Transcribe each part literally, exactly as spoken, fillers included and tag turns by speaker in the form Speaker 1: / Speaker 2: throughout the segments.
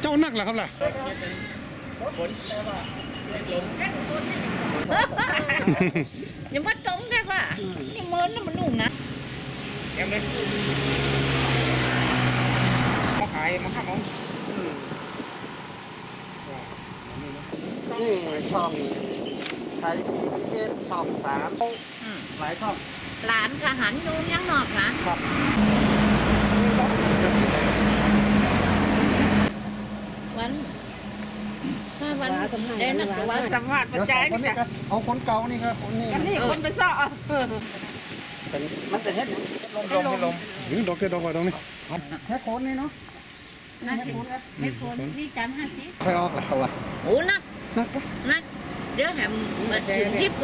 Speaker 1: เจ้านักเหรอครับล่ะ
Speaker 2: อย่ามาตรงได้ป่ะนี่เมินแล้วมันนุ่มนะ
Speaker 3: แกมเลยมาขายมาขับเอา
Speaker 4: นี่ช่องใช้พีเอสช่องสามหลายช่อง
Speaker 2: หลานกะหันอยู่ยังนอกนะครับวันถ้าวันได้นักว่าสัมภาษณ์ประจัยนี่ค่ะ
Speaker 4: เอาคนเก่านี่ครับคนนี้
Speaker 2: กันนี่คนไปซ่อ
Speaker 4: เป็นมันเป็นเฮ็ด
Speaker 3: ลมลมลม
Speaker 1: หรือดอกเกดอกว่าตรงนี้
Speaker 4: แค่โคนนี่เนาะ
Speaker 2: นักสิไม่โคนนี่จานห้าสิบ
Speaker 4: ใครออกแล้ววะ
Speaker 2: โอ้นัก
Speaker 4: นัก
Speaker 2: นักเดี๋ยวแหมถึงสิบกู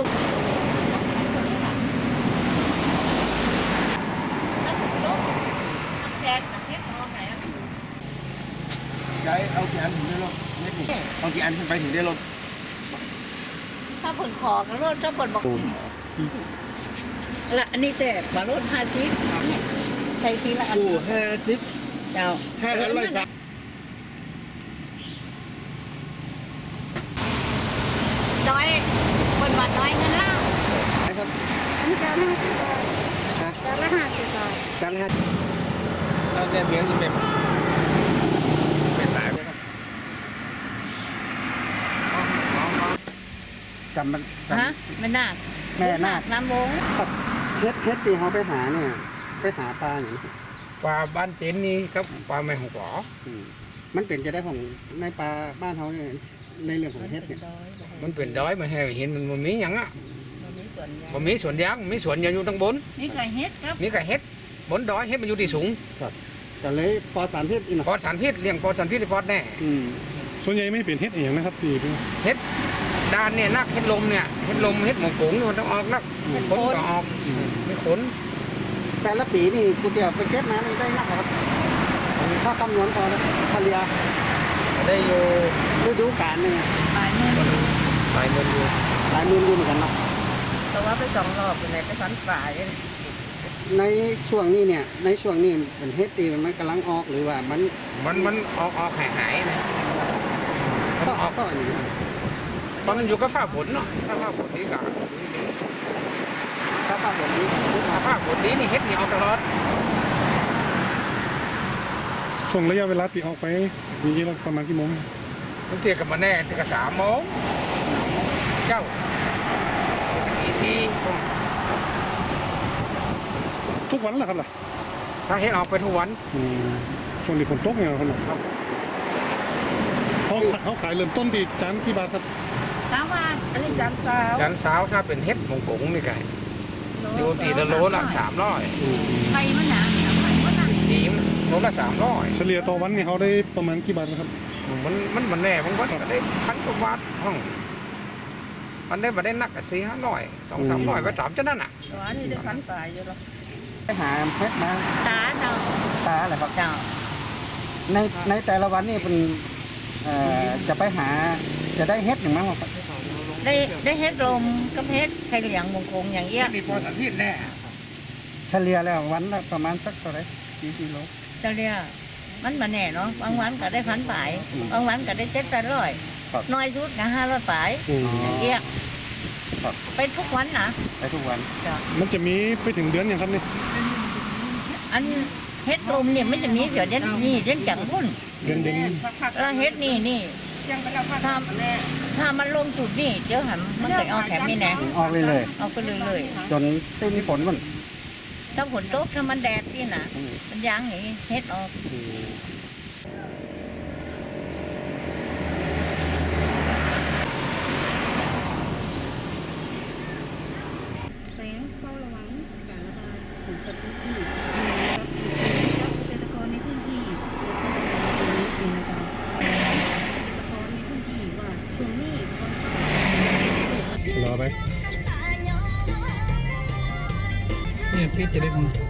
Speaker 4: ใจเอากี่อันถึงได้ลงเม็ดนี่เอากี่อันขึ้นไปถึงได้ลง
Speaker 2: ถ้าผลคอกันรถถ้าผลบอกละอันนี้แต่บารถห้าสิบใช้ทีละอัน
Speaker 4: กูห้าสิบ
Speaker 2: เจ้า
Speaker 4: ห้าอันร้อยสาม
Speaker 2: น้อยคนวัดน้อยเงินเล่า
Speaker 4: อันนี้จานห้าสิบบาท
Speaker 2: จานละห้าสิบบาท
Speaker 4: จานละห้าเราเนี่ยเลี้ยงยังแบบเป็นสายจำมัน
Speaker 2: ฮะไม่น่า
Speaker 4: แม่นาค
Speaker 2: น้ำวง
Speaker 4: เฮ็ดเฮ็ดตีเขาไปหาเนี่ยไปหาปลาอย่าง
Speaker 3: ปลาบ้านเจนนี่ครับปลาแมงหงกอ
Speaker 4: มันเป็นจะได้ของในปลาบ้านเขาเนี่ยในเรื่องของเฮ็ดเนี่ย
Speaker 3: มันเป็นดอยมาให้เห็นมันมันมีอย่างอ่ะมันมีสวนยางมันมีสวนอยู่ตั้งบน
Speaker 2: นี่ไก่เฮ็ดครับ
Speaker 3: นี่ไก่เฮ็ดบนดอยเฮ็ดมันอยู่ที่สูง
Speaker 4: ครับแต่เลยปอสารพิษอีก
Speaker 3: ปอสารพิษเลี้ยงปอสารพิษปอดแน่
Speaker 1: ส่วนใหญ่ไม่เปลี่ยนเฮ็ดอย่างนะครับตี
Speaker 3: เฮ็ดด้านเนี่ยนักเฮ็ดลมเนี่ยเฮ็ดลมเฮ็ดหมกกุ้งมันต้องออกนักขนก็ออกไม่ขน
Speaker 4: แต่ละปีนี่กูเดียวไปเก็บมานี่ได้นักครับถ้าคำนวณพอแล้วเฉลี่ย
Speaker 3: ได้อยู่
Speaker 4: ฤดูกาลหนึ่ง
Speaker 2: หลายหมื่น
Speaker 3: หลายหมื่นอยู่
Speaker 4: หลายหมื่นอยู่เหมือนกันเนาะ
Speaker 2: แต่ว่าไปสองรอบเป็นไรไปฟันฝ่าย
Speaker 4: ในช่วงนี้เนี่ยในช่วงนี้เป็นเฮ็ดตีมันกำลังออกหรือว่ามัน
Speaker 3: มันมันออกออกหายหายนะ
Speaker 4: ก็ออกก็อย่างนี้
Speaker 3: ตอนมันอยู่กับฝ้าฝนเนาะถ้าฝ้าฝนดีกับ
Speaker 4: ถ้าฝ้าฝนดี
Speaker 3: ถ้าฝ้าฝนดีนี่เฮ็ดนี่ออกตลอด
Speaker 1: ช่วงระยะเวลาตีออกไปมีประมาณกี่โมง
Speaker 3: มันเทียบกับมาแน่เทียบกับสามโมงเจ้าอีซี
Speaker 1: ทุกวันเหรอครับล่ะ
Speaker 3: ถ้าเฮ็ดออกไปทุกวัน
Speaker 1: ช่วงนี้ฝนตกไงครับเขาเขาขายเริ่มต้นที่จานกี่บาทครับ
Speaker 2: สามบาทอันนี้จานสาว
Speaker 3: จานสาวถ้าเป็นเฮ็ดมงกุฎนี่ไงอยู่ตีละโลละสามร้อย
Speaker 2: ไข่มันหนาไข่มันหนา
Speaker 3: ดีมโลละสามร้อย
Speaker 1: เฉลี่ยต่อวันนี่เขาได้ประมาณกี่บาทครับ
Speaker 3: มันมันมันแน่บางวันก็ได้พันกว่าบาทห้องมันได้มาได้นักสี่ห้าร้อยสองสามร้อยไปถามเจ้านั่นอ่ะ
Speaker 2: ตัวนี้ได้พันตายอยู่หรอ
Speaker 4: ไปหาเพชรมา
Speaker 2: ตาเนาะ
Speaker 4: ตาอะไรครับ
Speaker 2: เจ้า
Speaker 4: ในในแต่ละวันนี่เป็นจะไปหาจะได้เฮ็ดอย่างมั้งครับ
Speaker 2: ได้ได้เฮ็ดลมกับเฮ็ดไข่เหลียงมงคงอย่างเงี้ย
Speaker 3: มีพอสันพิษแน่
Speaker 4: เฉลี่ยแล้ววันละประมาณสักเท่าไหร่กี่กิโล
Speaker 2: เฉลี่ยมันมาแน่เนาะบางวันก็ได้พันปลายบางวันก็ได้เจ็ดแปดร้อยน้อยสุดก็ห้าร้อยปลายอย่างเงี้ยไปทุกวันนะ
Speaker 4: ไปทุกวัน
Speaker 1: มันจะมีไปถึงเดือนอย่างครับนี่
Speaker 2: อันเฮ็ดลมเนี่ยไม่จะมีเดี๋ยวเด่นนี่เด่นจังพุ่น
Speaker 1: เดือนเดือน
Speaker 2: แล้วเฮ็ดนี่นี่ถ้าถ้ามันลงจุดนี่เดี๋ยวหันมันจะเอาแถมนี่แน่
Speaker 4: ออกเลยเลย
Speaker 2: เอาไปเลยเลย
Speaker 4: จนสิ้นฝนมัน
Speaker 2: ถ้าฝนตกถ้ามันแดดนี่นะมันยางอย่างนี้เฮ็ดออก
Speaker 5: แสงเฝ้าระวังการระบาดของสัตว์ทุกที่เกษตรกรในพื้นที่เป็นนะจ๊ะเกษตรกรในพื้นที่ว่าช่วงนี้
Speaker 1: รอไป
Speaker 4: เนี่ยพี่จะได้